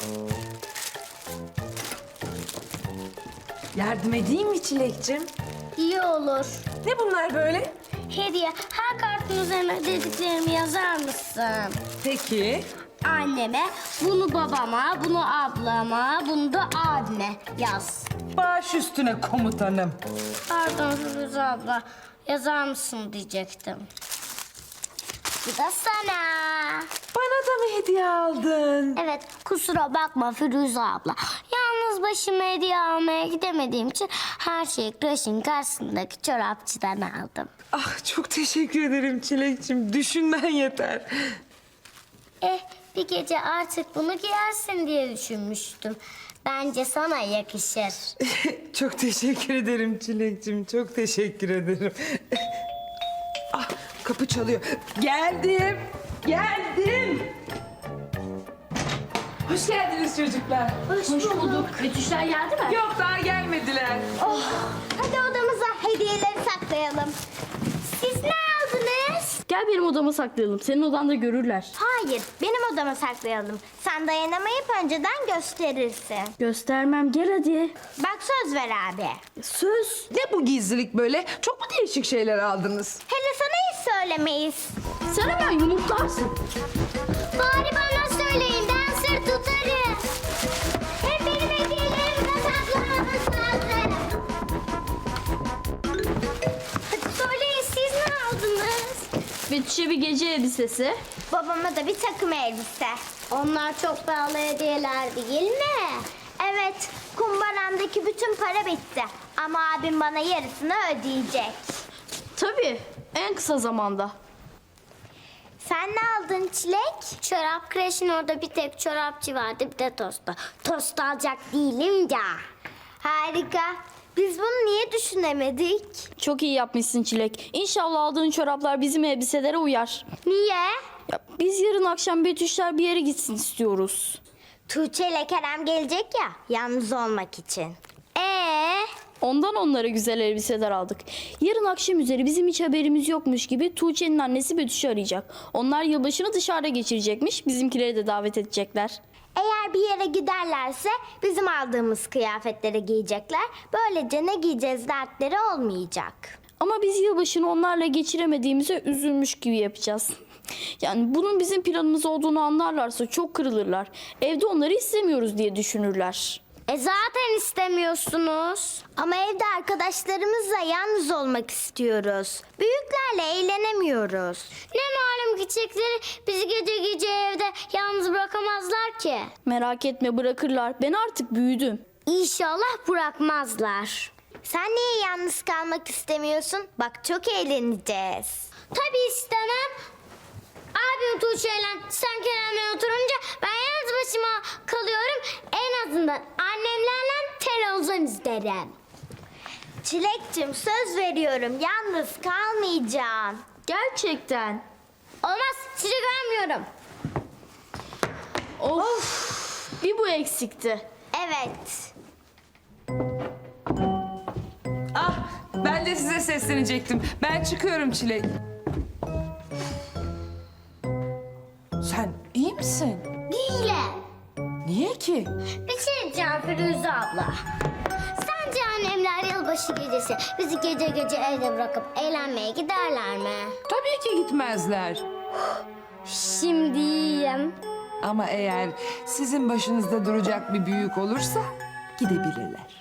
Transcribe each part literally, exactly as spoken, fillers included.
Yardım edeyim mi Çilek'cim? İyi olur. Ne bunlar böyle? Hediye, her kartın üzerine dediklerimi yazar mısın? Peki. Anneme, bunu babama, bunu ablama, bunu da abime yaz. Baş üstüne komutanım. Pardon Firuze abla, yazar mısın diyecektim. Bu da sana. Bana da mı hediye aldın? Evet, kusura bakma Firuze abla. Yalnız başıma hediye almaya gidemediğim için her şeyi kreşin karşısındaki çorapçıdan aldım. Ah çok teşekkür ederim Çilek'cim. Düşünmen yeter. Eh, bir gece artık bunu giyersin diye düşünmüştüm. Bence sana yakışır. Çok teşekkür ederim Çilek'cim. Çok teşekkür ederim. Ah kapı çalıyor. Geldim. Geldim. Hoş geldiniz çocuklar. Hoş, bulduk. Betüşler geldi mi? Yok daha gelmediler. Oh, hadi odamıza hediyeleri saklayalım. Siz ne aldınız? Gel benim odama saklayalım. Senin odanda görürler. Hayır, benim odama saklayalım. Sen dayanamayıp önceden gösterirsin. Göstermem, gel hadi. Bak söz ver abi. Söz. Ne bu gizlilik böyle? Çok mu değişik şeyler aldınız? Hele sana hiç söylemeyiz. Sen hemen yumurtlarsın. Bari bana söyleyin, ben sır tutarım. Hep benim hediyelerimi de saklamanız lazım. Hadi söyleyin, siz ne aldınız? Betüş'e bir gece elbisesi. Babama da bir takım elbise. Onlar çok pahalı hediyeler değil mi? Evet, kumbaramdaki bütün para bitti. Ama abim bana yarısını ödeyecek. Tabii, en kısa zamanda. Sen ne aldın Çilek? Çorap kreşin orada bir tek çorapçı vardı, bir de tosta. Tost alacak değilim ya. Harika. Biz bunu niye düşünemedik? Çok iyi yapmışsın Çilek. İnşallah aldığın çoraplar bizim elbiselere uyar. Niye? Ya, biz yarın akşam Betüşler bir yere gitsin istiyoruz. Tuğçe ile Kerem gelecek ya, yalnız olmak için. Ee? Ondan onlara güzel elbiseler aldık. Yarın akşam üzeri bizim hiç haberimiz yokmuş gibi Tuğçe'nin annesi Betüş'ü arayacak. Onlar yılbaşını dışarıda geçirecekmiş. Bizimkileri de davet edecekler. Eğer bir yere giderlerse bizim aldığımız kıyafetleri giyecekler. Böylece ne giyeceğiz dertleri olmayacak. Ama biz yılbaşını onlarla geçiremediğimize üzülmüş gibi yapacağız. Yani bunun bizim planımız olduğunu anlarlarsa çok kırılırlar. Evde onları istemiyoruz diye düşünürler. E zaten istemiyorsunuz. Ama evde arkadaşlarımızla yalnız olmak istiyoruz. Büyüklerle eğlenemiyoruz. Ne malum küçükleri bizi gece gece evde yalnız bırakamazlar ki. Merak etme, bırakırlar. Ben artık büyüdüm. İnşallah bırakmazlar. Sen niye yalnız kalmak istemiyorsun? Bak çok eğleneceğiz. Tabii istemem. Abim Tuğçe'yle sen Kerem'le oturunca ben yalnız başıma kalıyorum. En azından annemlerle televizyon izlerim. Çilek'cim söz veriyorum yalnız kalmayacağım. Gerçekten. Olmaz sizi görmüyorum. Of. Bir bu eksikti. Evet. Ah ben de size seslenecektim. Ben çıkıyorum Çilek. Sen iyi misin? Değilim. Niye ki? Bir şey diyeceğim Firuze abla. Sence annemler yılbaşı gecesi bizi gece gece evde bırakıp eğlenmeye giderler mi? Tabii ki gitmezler. Şimdi iyiyim. Ama eğer sizin başınızda duracak bir büyük olursa gidebilirler.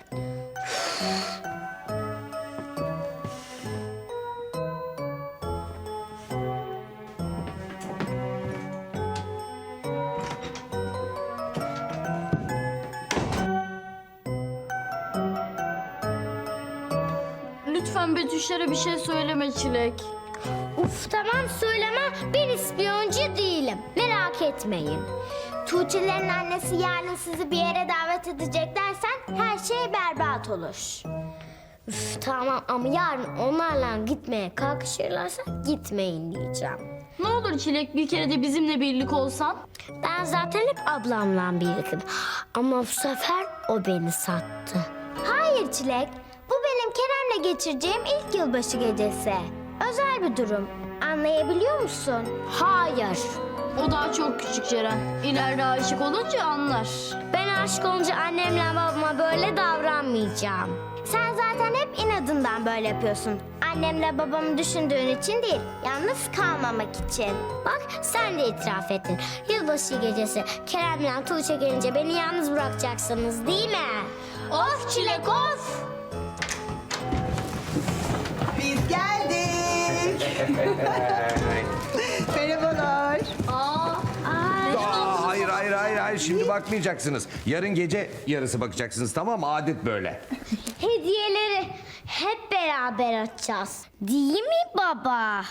Lütfen Betüşlere bir şey söyleme Çilek. Uf tamam söyleme, ben ispiyoncu değilim. Merak etmeyin. Tuğçe'lerin annesi yarın sizi bir yere davet edecek dersen her şey berbat olur. Üf tamam ama yarın onlarla gitmeye kalkışırlarsa gitmeyin diyeceğim. Ne olur Çilek, bir kere de bizimle birlik olsan. Ben zaten hep ablamla birlikim. Ama bu sefer o beni sattı. Hayır Çilek. Bu benim Kerem'le geçireceğim ilk yılbaşı gecesi. Özel bir durum. Anlayabiliyor musun? Hayır. O daha çok küçük Ceren. İleride aşık olunca anlar. Ben aşık olunca annemle babama böyle davranmayacağım. Sen zaten hep inadından böyle yapıyorsun. Annemle babamı düşündüğün için değil, yalnız kalmamak için. Bak sen de itiraf ettin. Yılbaşı gecesi Kerem'le Tuğçe gelince beni yalnız bırakacaksınız değil mi? Of Çilek of! Biz geldik. Merhabalar. Aa, Aa, hayır hayır hayır hayır şimdi bakmayacaksınız. Yarın gece yarısı bakacaksınız, tamam mı? Adet böyle. Hediyeleri hep beraber açacağız. Değil mi baba?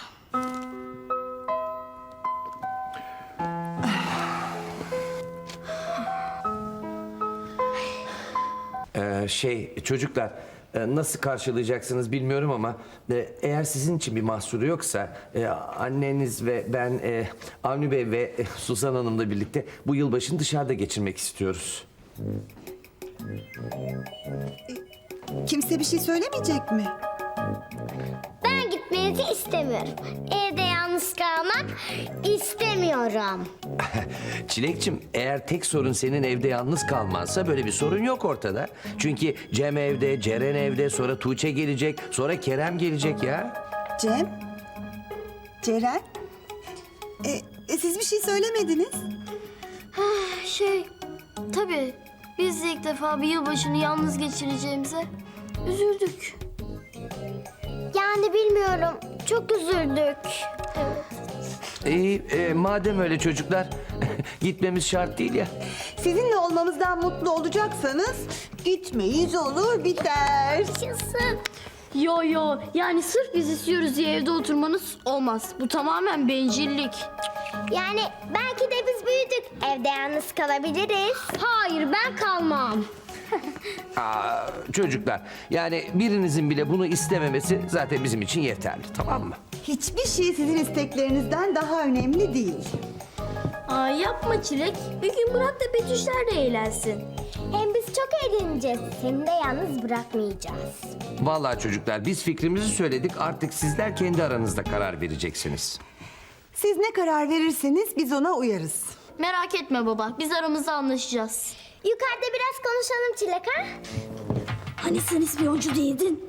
Ee, şey çocuklar, e, nasıl karşılayacaksınız bilmiyorum ama e, eğer sizin için bir mahsuru yoksa e, anneniz ve ben e, Avni Bey ve e, Suzan Hanım'la birlikte bu yılbaşını dışarıda geçirmek istiyoruz. Kimse bir şey söylemeyecek mi? Ben gitmenizi istemiyorum. Evde yalnız kalmak istemiyorum. Çilekçim, eğer tek sorun senin evde yalnız kalmansa böyle bir sorun yok ortada. Çünkü Cem evde, Ceren evde, sonra Tuğçe gelecek, sonra Kerem gelecek ya. Cem? Ceren? E, e, siz bir şey söylemediniz. şey, tabii biz de ilk defa bir yılbaşını yalnız geçireceğimize üzüldük. Yani bilmiyorum. Çok üzüldük. İyi, e, madem öyle çocuklar, gitmemiz şart değil ya. Sizinle olmamızdan mutlu olacaksanız gitmeyiz olur biter. Yaşasın. Yo yo, yani sırf biz istiyoruz diye evde oturmanız olmaz. Bu tamamen bencillik. Yani belki de biz büyüdük. Evde yalnız kalabiliriz. Hayır ben kalmam. Aa, çocuklar, yani birinizin bile bunu istememesi zaten bizim için yeterli, tamam mı? Hiçbir şey sizin isteklerinizden daha önemli değil. Aa, yapma Çilek. Bir gün bırak da Betüşler de eğlensin. Hem biz çok eğleneceğiz. Seni de yalnız bırakmayacağız. Vallahi çocuklar, biz fikrimizi söyledik, artık sizler kendi aranızda karar vereceksiniz. Siz ne karar verirseniz biz ona uyarız. Merak etme baba, biz aramızda anlaşacağız. Yukarıda biraz konuşalım Çilek ha? Hani sen ispiyoncu değildin?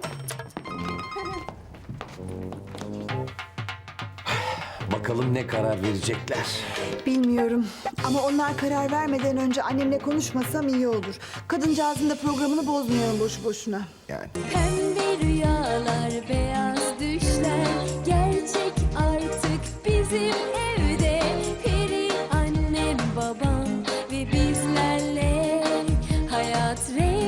Bakalım ne karar verecekler. Bilmiyorum ama onlar karar vermeden önce annemle konuşmasam iyi olur. Kadıncağızın da programını bozmayalım boşu boşuna. Yani. Pembe rüyalar, beyaz düşler gerçek artık bizim evde. Peri annem, babam ve bizlerle hayat rengi